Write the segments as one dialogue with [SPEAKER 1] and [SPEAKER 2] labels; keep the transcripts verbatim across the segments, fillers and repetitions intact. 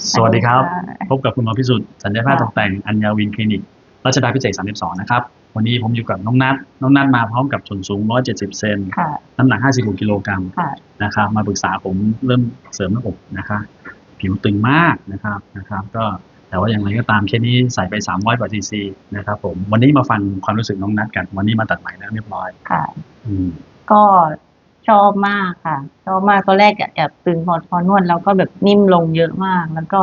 [SPEAKER 1] สวัสดีครับพบกับคุณหมอพิสุทธิ์ศัลยแพทย์ตกแต่งอัญญาวินคลินิกรัชดาพิเศษสามสิบสองนะครับวันนี้ผมอยู่กับน้องนัทน้องนัทมาพร้อมกับส่วนสูงหนึ่งร้อยเจ็ดสิบเซนน้ำหนักห้าสิบหกกิโลกรัมนะครับมาปรึกษาผมเริ่มเสริมหน้าอกนะคะผิวตึงมากนะครับนะครับก็แต่ว่าอย่างไรก็ตามเคสนี้ใส่ไปสามร้อยกว่าซีซีนะครับผมวันนี้มาฟังความรู้สึกน้องนัทกันวันนี้มาตัดใหม่แล้วเรียบร้อย
[SPEAKER 2] ค่ะก็ชอบมากค่ะชอบมากตอนแรกแอบตึงพอพอนวดแล้วก็แบบนิ่มลงเยอะมากแล้วก็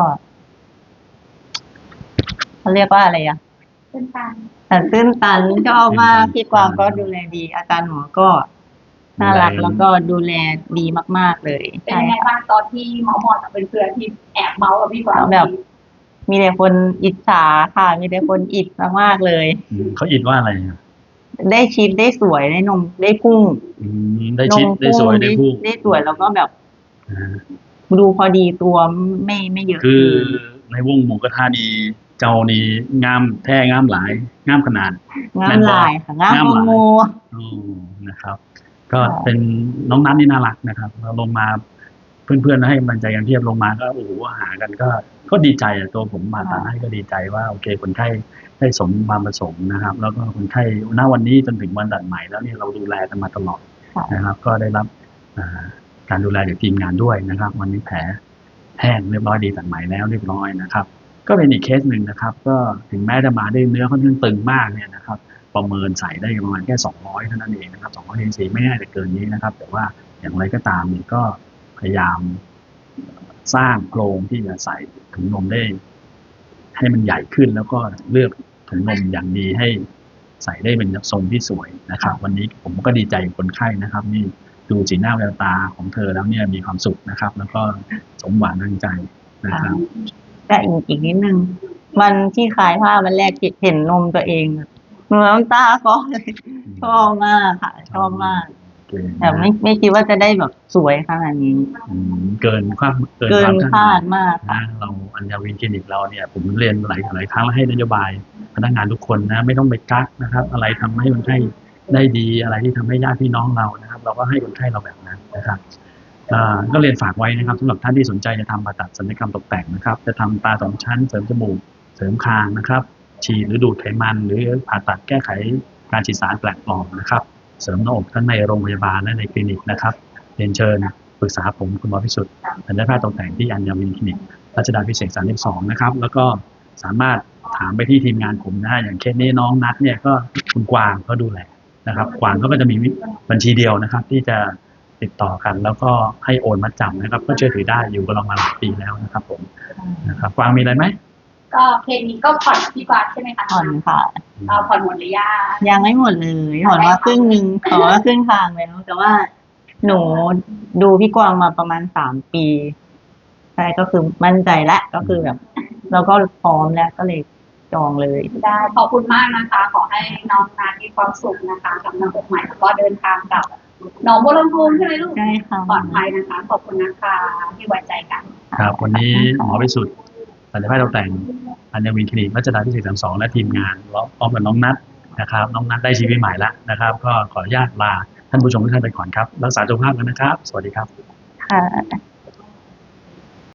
[SPEAKER 2] เขาเรียกว่าอะไรอ่ะ
[SPEAKER 3] ตื้นตัน
[SPEAKER 2] แต่ตื้นตันชอบมากพี่กวางก็ดูแลดีอาจารย์หมอก็น่ารักแล้วก็ดูแลดีมากๆเลย
[SPEAKER 3] เป็นยังไงบ้างตอนที่หมอหมอเป็นเพื่อนที่แอบเมาส์กับพี่กวาง
[SPEAKER 2] แบบมีแต่คนอิจฉาค่ะมีแต่คนอิจมากๆเลย
[SPEAKER 1] เขาอิจว่าอะไร
[SPEAKER 2] ได้ชิดได้สวยได้นมได้พุ่ง
[SPEAKER 1] ได้ชิดได้สวยได้พุ่ง
[SPEAKER 2] ได้สวยแล้วก็แบบดูพอดีตัวไม่ไม่เยอะ
[SPEAKER 1] คือในวงหมูกระทะดีเจ้านี่งามแท้งามหลายงามขนาด
[SPEAKER 2] งามหลายค่ะงามโม
[SPEAKER 1] โอ้นะครับก็เป็นน้องนัทนี่น่ารักนะครับเราลงมาเพื่อนๆให้กำลังใจกันเพียบลงมาก็โอ้โหหากันก็ก็ดีใจอ่ะตัวผมมาตัดให้ก็ดีใจว่าโอเคคนไข้ได้สมความประสงค์นะครับแล้วก็คนไข้ณวันนี้จนถึงวันตัดใหม่แล้วนี่เราดูแลกันมาตลอดนะครับก็ได้รับการดูแลจากทีมงานด้วยนะครับวันนี้แผลแห้งเรียบร้อยดีตัดใหม่แล้วเรียบร้อยนะครับก็เป็นอีกเคสหนึ่งนะครับก็ถึงแม้จะมาด้วยเนื้อค่อนข้างตึงมากเนี่ยนะครับประเมินใส่ได้ประมาณแค่สองร้อยเท่านั้นเองนะครับสองร้อยซีซีไม่น่าจะเกินนี้นะครับแต่ว่าอย่างไรก็ตามเนี่ยก็พยายามสร้างโครงที่จะใส่ถุงนมได้ให้มันใหญ่ขึ้นแล้วก็เลือกถุงนมอย่างดีให้ใส่ได้เป็นทรงที่สวยนะครับวันนี้ผมก็ดีใจกับคนไข้นะครับนี่ดูสีหน้าแววตาของเธอแล้วเนี่ยมีความสุขนะครับแล้วก็สมหวังดังใจนะครับ
[SPEAKER 2] แต่อีกอีกนิดนึงวันที่ขายผ้าวันแรกเห็นนมตัวเองเหมือนน้ำตาก็เลยชอบมากค่ะชอบมากแต่ไม่ไม่คิดว่าจะได้แบบสวยขนาดนี้
[SPEAKER 1] เกินความ
[SPEAKER 2] เกินคาดมาก
[SPEAKER 1] นะเราอัญญาวินคลินิกเราเนี่ยผมเรียนหลายหลายครั้งแล้วให้นโยบายพนักงานทุกคนนะไม่ต้องไปกักนะครับอะไรทำให้คนไข้ได้ดีอะไรที่ทำให้ญาติพี่น้องเรานะครับเราก็ให้คนไข้เราแบบนั้นนะครับก็เรียนฝากไว้นะครับสำหรับท่านที่สนใจจะทำผ่าตัดศัลยกรรมตกแต่งนะครับจะทำตาสองชั้นเสริมจมูกเสริมคางนะครับฉีดหรือดูดไขมันหรือผ่าตัดแก้ไขการฉีดสารแปลกปลอมนะครับเสริมหน้าอกทั้งในโรงพยาบาลและในคลินิกนะครับเรียนเชิญปรึกษาผมคุณหมอพิสุทธิ์ศัลยแพทย์ตกแต่งที่อัญญาวินคลินิกรัชดาพิเศษสามสิบสองนะครับแล้วก็สามารถถามไปที่ทีมงานผมนะอย่างเคสนี้น้องนัทเนี่ยก็คุณกวางเขาดูแลนะครับกวางเขาก็จะมีบัญชีเดียวนะครับที่จะติดต่อกันแล้วก็ให้โอนมัดจำนะครับก็เชื่อถือได้อยู่กับเรามาหลายปีแล้วนะครับผมนะครับกวางมีอะไรไหม
[SPEAKER 3] ก็เคสนี้ก็ผ่อนพี่กวางใช่ไหมคะ
[SPEAKER 2] ผ่อนค่ะ
[SPEAKER 3] เราผ่อนหมดหรือยัง
[SPEAKER 2] ยังไม่หมดเลยผ่อนมาครึ่งหนึ่งขอว่าครึ่งทางแล้วแต่ว่าหนูดูพี่กวางมาประมาณสามปีใช่ก็คือมั่นใจแล้วก็คือแบบเราก็พร้อมแล้วก็เลยจองเลย
[SPEAKER 3] ได้ขอบคุณมากนะคะขอให้น้องนามีความสุขนะคะกับน้องอกใหม่แล้วก็เดินทางกับน้องบัวลำพูใช่ไหมลูก
[SPEAKER 2] ใช่ค่ะ
[SPEAKER 3] ปลอดภัยนะคะขอบคุณนะคะที่ไว้ใจกัน
[SPEAKER 1] ครับวันนี้หมอพิสุทธิ์ศัลยแพทย์ตกแต่งอัญญาวินคลินิกรัชดาพิเศษสามสิบสองและทีมงานพร้อมกับน้องนัทนะครับน้องนัทได้ชีวิตใหม่แล้วนะครับก็ขออนุญาตลาท่านผู้ชมทุกท่านไปก่อนครับรักษาสุขภาพกันนะครับสวัสดีครับ
[SPEAKER 2] ค่ะ